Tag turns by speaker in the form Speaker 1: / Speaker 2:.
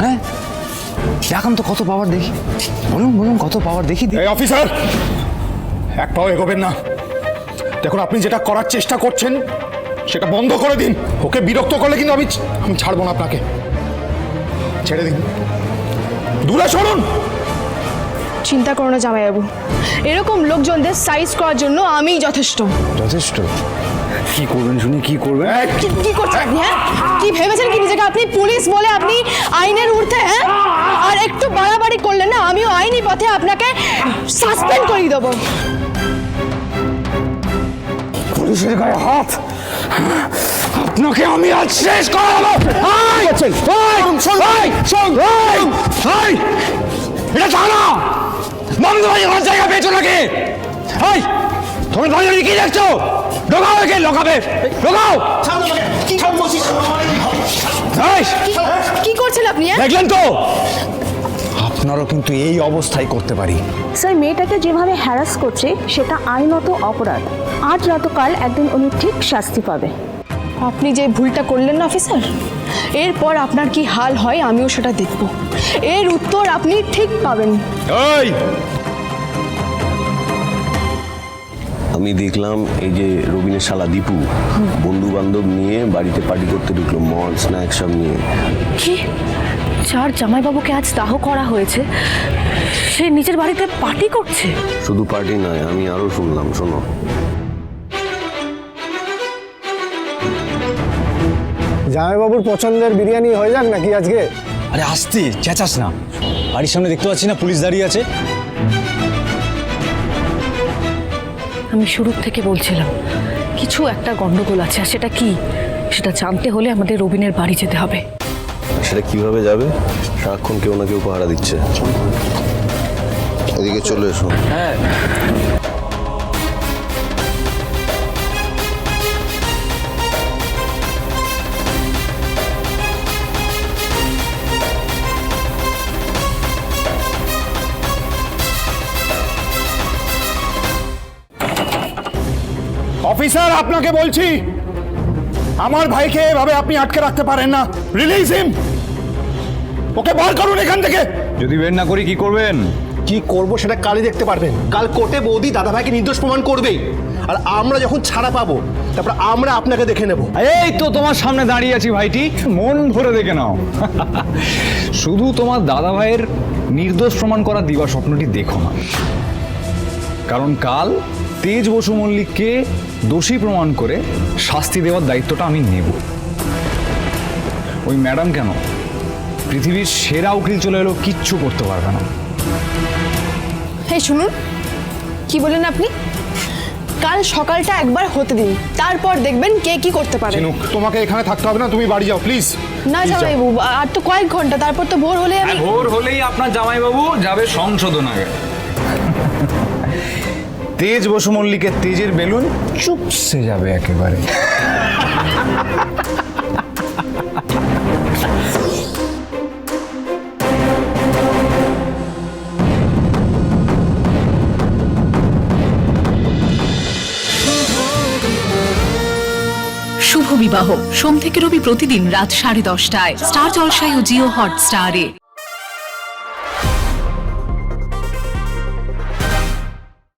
Speaker 1: হ্যাঁ এখন তো কত পাওয়ার দেখি, বলুন বলুন কত পাওয়ার দেখি।
Speaker 2: এই অফিসার, এক পাও এগোবেন না। দেখুন, আপনি যেটা করার চেষ্টা করছেন সেটা বন্ধ করে দিন। ওকে বিরক্ত করলে কিন্তু আমি ছাড়বো না আপনাকে। ছেড়ে দিন, দূরে সরুন।
Speaker 3: চিন্তা করো না জামাইবাবু, এরকম লোকজনদের সাইজ করার জন্য আমিই যথেষ্ট।
Speaker 1: যথেষ্ট? কি করবেন শুনি, কি করবেন?
Speaker 3: কি করছেন আপনি? হ্যাঁ, কি ভেবেছেন কি নিজেকে? আপনি পুলিশ বলে আপনি আইনের ঊর্ধ্বে? হ্যাঁ, আর একটু বাড়াবাড়ি করলেন না, আমিও আইনি পথে আপনাকে সাসপেন্ড করিয়ে দেবো।
Speaker 1: পুলিশের গায়ে হাত, আপনাকে আমি আজ শেষ করে দেবো। এটা থানা, বন্ধুবাজি আমার জায়গা পেয়েছো নাকি? তুমি দাঁড়িয়ে কি দেখছো? ঢোকাও একে, লোকাবে ঢোকাও।
Speaker 3: কি করছেন আপনি?
Speaker 1: দেখলেন তো, আপনারও কিন্তু এই অবস্থায় করতে পারি।
Speaker 4: স্যার, মেয়েটাকে যেভাবে হ্যারাস করছে সেটা আইনত অপরাধ। আজ রাতকাল একদিন উনি ঠিক শাস্তি পাবে।
Speaker 3: আপনি যে ভুলটা করলেন না অফিসার, এরপর আপনার কি হাল হয় আমিও সেটা দেখব। এর উত্তর আপনি ঠিক পাবেন।
Speaker 5: আমি দেখলাম এই যে রবিনের শালা দীপু বন্ধু বান্ধব নিয়ে বাড়িতে পার্টি করতে ঢুকলো, মদ স্ন্যাক্স সব নিয়ে।
Speaker 4: কি? যার জামাইবাবুকে আজ দাহ করা হয়েছে সে নিজের বাড়িতে পার্টি করছে?
Speaker 5: শুধু পার্টি নয়, আমি আরো শুনলাম, শোনো।
Speaker 6: জামাইবাবুর পছন্দের বিরিয়ানি হয়ে যাক নাকি আজকে?
Speaker 1: আরে আসতে চেঁচাস না, বাড়ির সামনে দেখতে পাচ্ছি না পুলিশ দাঁড়িয়ে আছে।
Speaker 4: আমি শুরুর থেকে বলছিলাম কিছু একটা গন্ডগোল আছে, আর সেটা কি সেটা জানতে হলে আমাদের রবিনের বাড়ি যেতে হবে।
Speaker 5: সেটা কিভাবে যাবে? সারাক্ষণ কেউ না কেউ পাহারা দিচ্ছে। এদিকে চলে এসো।
Speaker 1: হ্যাঁ,
Speaker 2: অফিসার, আপনাকে বলছি, আমার ভাইকে এভাবে আপনি আটকে রাখতে পারেন না। রিলিজ হিম, ওকে বার করুন এখান থেকে।
Speaker 1: যদি বের না করি কি করবেন?
Speaker 6: কি করব সেটা কালই দেখতে পারবেন। কাল কোর্টে বৌদি দাদাভাইকে নির্দোষ প্রমাণ করবেই, আর আমরা যখন ছাড়া পাবো তারপর আমরা আপনাকে দেখে নেব।
Speaker 1: এই তো তোমার সামনে দাঁড়িয়ে আছি ভাইটি, মন ভরে দেখে নাও। শুধু তোমার দাদা ভাইয়ের নির্দোষ প্রমাণ করা দিবা স্বপ্নটি দেখো না, কারণ কাল তেজ বসু মল্লিককে দোষী প্রমাণ করে শাস্তি দেওয়ার দায়িত্বটা আমি নেব। ওই ম্যাডাম কেন, পৃথিবীর সেরা উকিল চলে এলো, কিচ্ছু করতে পারবে না।
Speaker 3: এই শুনুন, কি বলেন আপনি? কাল সকালটা একবার হতে দিন, তারপর দেখবেন কে কি করতে পারে।
Speaker 2: তোমাকে এখানে থাকতে হবে না, তুমি বাড়ি যাও প্লিজ।
Speaker 3: না জামাইবাবু, আর তো কয়েক ঘন্টা, তারপর তো ভোর হলে আমি।
Speaker 1: ভোর হলেই আপনার জামাইবাবু যাবে সংশোধনাগারে। তেজ বসু মল্লিকের তেজের বেলুন চুপসে যাবে একেবারে।
Speaker 7: শুভ বিবাহ সোম থেকে রবি প্রতিদিন রাত 10:30টায় স্টার জলসায় ও জিও হটস্টারে।